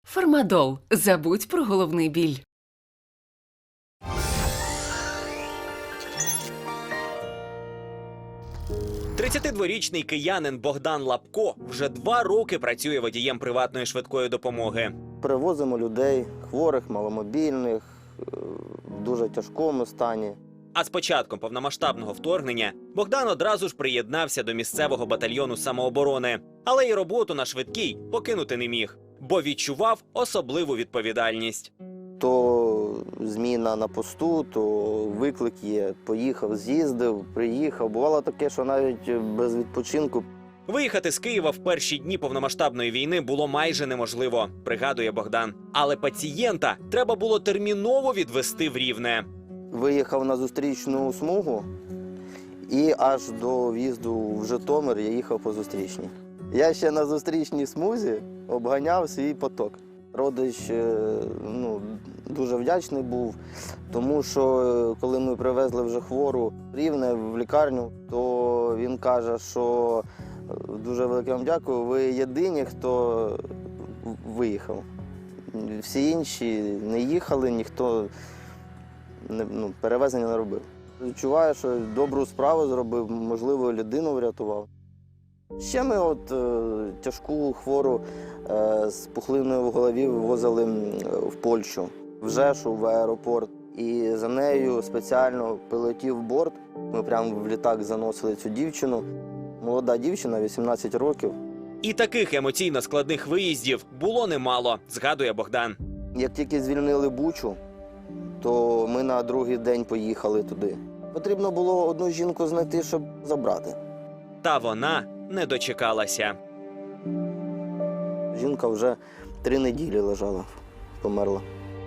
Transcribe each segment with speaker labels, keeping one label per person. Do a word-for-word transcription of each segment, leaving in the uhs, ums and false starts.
Speaker 1: Фармадол. Забудь про головний біль.
Speaker 2: тридцятидворічний киянин Богдан Лапко вже два роки працює водієм приватної швидкої допомоги.
Speaker 3: Перевозимо людей, хворих, маломобільних, в дуже тяжкому стані.
Speaker 2: А з початком повномасштабного вторгнення Богдан одразу ж приєднався до місцевого батальйону самооборони. Але й роботу на швидкій покинути не міг, бо відчував особливу відповідальність.
Speaker 3: То зміна на посту, то виклик є. Поїхав, з'їздив, приїхав. Бувало таке, що навіть без відпочинку.
Speaker 2: Виїхати з Києва в перші дні повномасштабної війни було майже неможливо, пригадує Богдан. Але пацієнта треба було терміново відвезти в Рівне.
Speaker 3: Виїхав на зустрічну смугу і аж до в'їзду в Житомир я їхав по зустрічній. Я ще на зустрічній смузі обганяв свій поток. Родич ну, дуже вдячний був, тому що коли ми привезли вже хвору в Рівне в лікарню, то він каже, що дуже велике вам дякую, ви єдині, хто виїхав. Всі інші не їхали, ніхто не, ну, перевезення не робив. Відчуваю, що добру справу зробив, можливо, людину врятував. Ще ми от е, тяжку хвору е, з пухлиною в голові вивозили в Польщу, в Жешу, в аеропорт. І за нею спеціально пілотів борт. Ми прямо в літак заносили цю дівчину. Молода дівчина, вісімнадцять років.
Speaker 2: І таких емоційно складних виїздів було немало, згадує Богдан.
Speaker 3: Як тільки звільнили Бучу, то ми на другий день поїхали туди. Потрібно було одну жінку знайти, щоб забрати.
Speaker 2: Та вона не дочекалася.
Speaker 3: Жінка вже три неділі лежала, померла.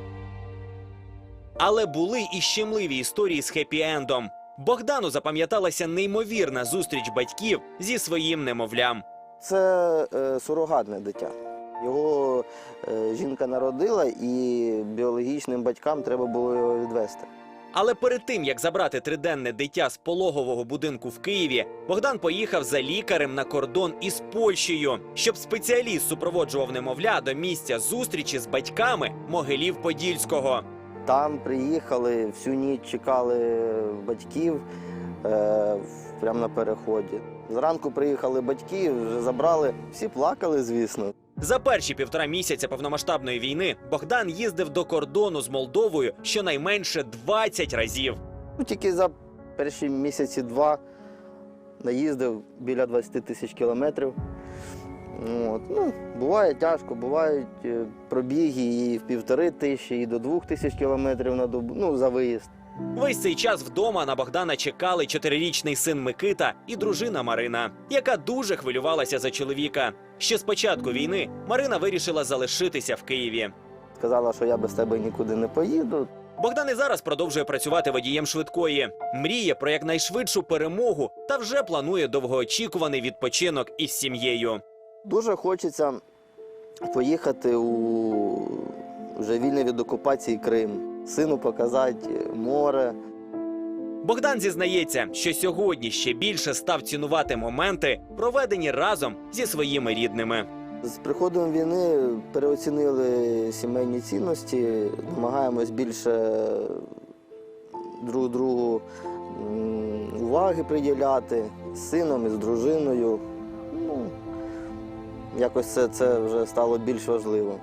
Speaker 2: Але були і щемливі історії з хеппі-ендом. Богдану запам'яталася неймовірна зустріч батьків зі своїм немовлям.
Speaker 3: Це е, сурогатне дитя. Його е, жінка народила, і біологічним батькам треба було його відвезти.
Speaker 2: Але перед тим, як забрати триденне дитя з пологового будинку в Києві, Богдан поїхав за лікарем на кордон із Польщею, щоб спеціаліст супроводжував немовля до місця зустрічі з батьками Могилів-Подільського.
Speaker 3: Там приїхали, всю ніч чекали батьків е, прямо на переході. Зранку приїхали батьки, вже забрали, всі плакали, звісно.
Speaker 2: За перші півтора місяця повномасштабної війни Богдан їздив до кордону з Молдовою щонайменше двадцять разів.
Speaker 3: Ну, тільки за перші місяці два наїздив біля двадцяти тисяч кілометрів. От. Ну, буває тяжко, бувають е, пробіги і в півтори тисячі, і до двох тисяч кілометрів на добу, ну, за виїзд.
Speaker 2: Весь цей час вдома на Богдана чекали чотирирічний син Микита і дружина Марина, яка дуже хвилювалася за чоловіка. Ще з початку війни Марина вирішила залишитися в Києві.
Speaker 3: Сказала, що я без тебе нікуди не поїду.
Speaker 2: Богдан і зараз продовжує працювати водієм швидкої. Мріє про якнайшвидшу перемогу та вже планує довгоочікуваний відпочинок із сім'єю.
Speaker 3: Дуже хочеться поїхати у вже вільний від окупації Крим, сину показати море.
Speaker 2: Богдан зізнається, що сьогодні ще більше став цінувати моменти, проведені разом зі своїми рідними.
Speaker 3: З приходом війни переоцінили сімейні цінності, намагаємось більше друг другу уваги приділяти, з сином і з дружиною. Ну, якось це, це вже стало більш важливо.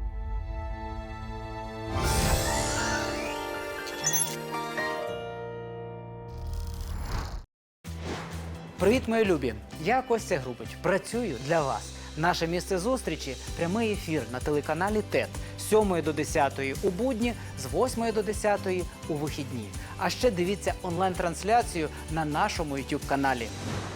Speaker 4: Привіт, мої любі! Я Костя Грубич. Працюю для вас. Наше місце зустрічі – прямий ефір на телеканалі ТЕТ з сьомої до десятої у будні, з восьмої до десятої у вихідні. А ще дивіться онлайн-трансляцію на нашому ютуб-каналі.